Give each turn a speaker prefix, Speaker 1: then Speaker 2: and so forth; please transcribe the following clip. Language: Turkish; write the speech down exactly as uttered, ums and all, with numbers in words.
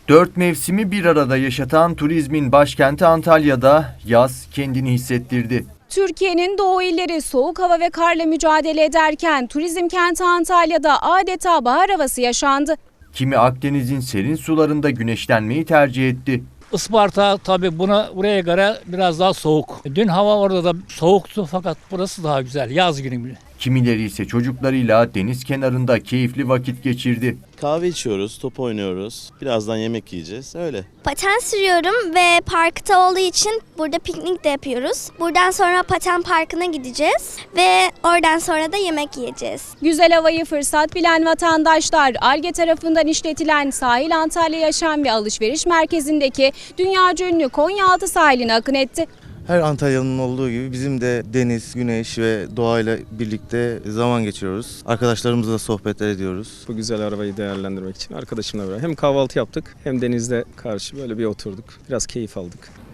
Speaker 1: Dört mevsimi bir arada yaşatan turizmin başkenti Antalya'da yaz kendini hissettirdi.
Speaker 2: Türkiye'nin doğu illeri soğuk hava ve karla mücadele ederken turizm kenti Antalya'da adeta bahar havası yaşandı.
Speaker 1: Kimi Akdeniz'in serin sularında güneşlenmeyi tercih etti.
Speaker 3: Isparta tabii buna buraya göre biraz daha soğuk. Dün hava orada da soğuktu fakat burası daha güzel yaz günü bile.
Speaker 1: Kimileri ise çocuklarıyla deniz kenarında keyifli vakit geçirdi.
Speaker 4: Kahve içiyoruz, top oynuyoruz. Birazdan yemek yiyeceğiz. Öyle.
Speaker 5: Paten sürüyorum ve parkta olduğu için burada piknik de yapıyoruz. Buradan sonra paten parkına gideceğiz ve oradan sonra da yemek yiyeceğiz.
Speaker 2: Güzel havayı fırsat bilen vatandaşlar Alge tarafından işletilen Sahil Antalya Yaşam ve Alışveriş Merkezi'ndeki dünyaca ünlü Konyaaltı sahiline akın etti.
Speaker 6: Her Antalya'nın olduğu gibi bizim de deniz, güneş ve doğayla birlikte zaman geçiriyoruz. Arkadaşlarımızla sohbetler ediyoruz.
Speaker 7: Bu güzel arabayı değerlendirmek için arkadaşımla beraber hem kahvaltı yaptık hem denizde karşı böyle bir oturduk. Biraz keyif aldık.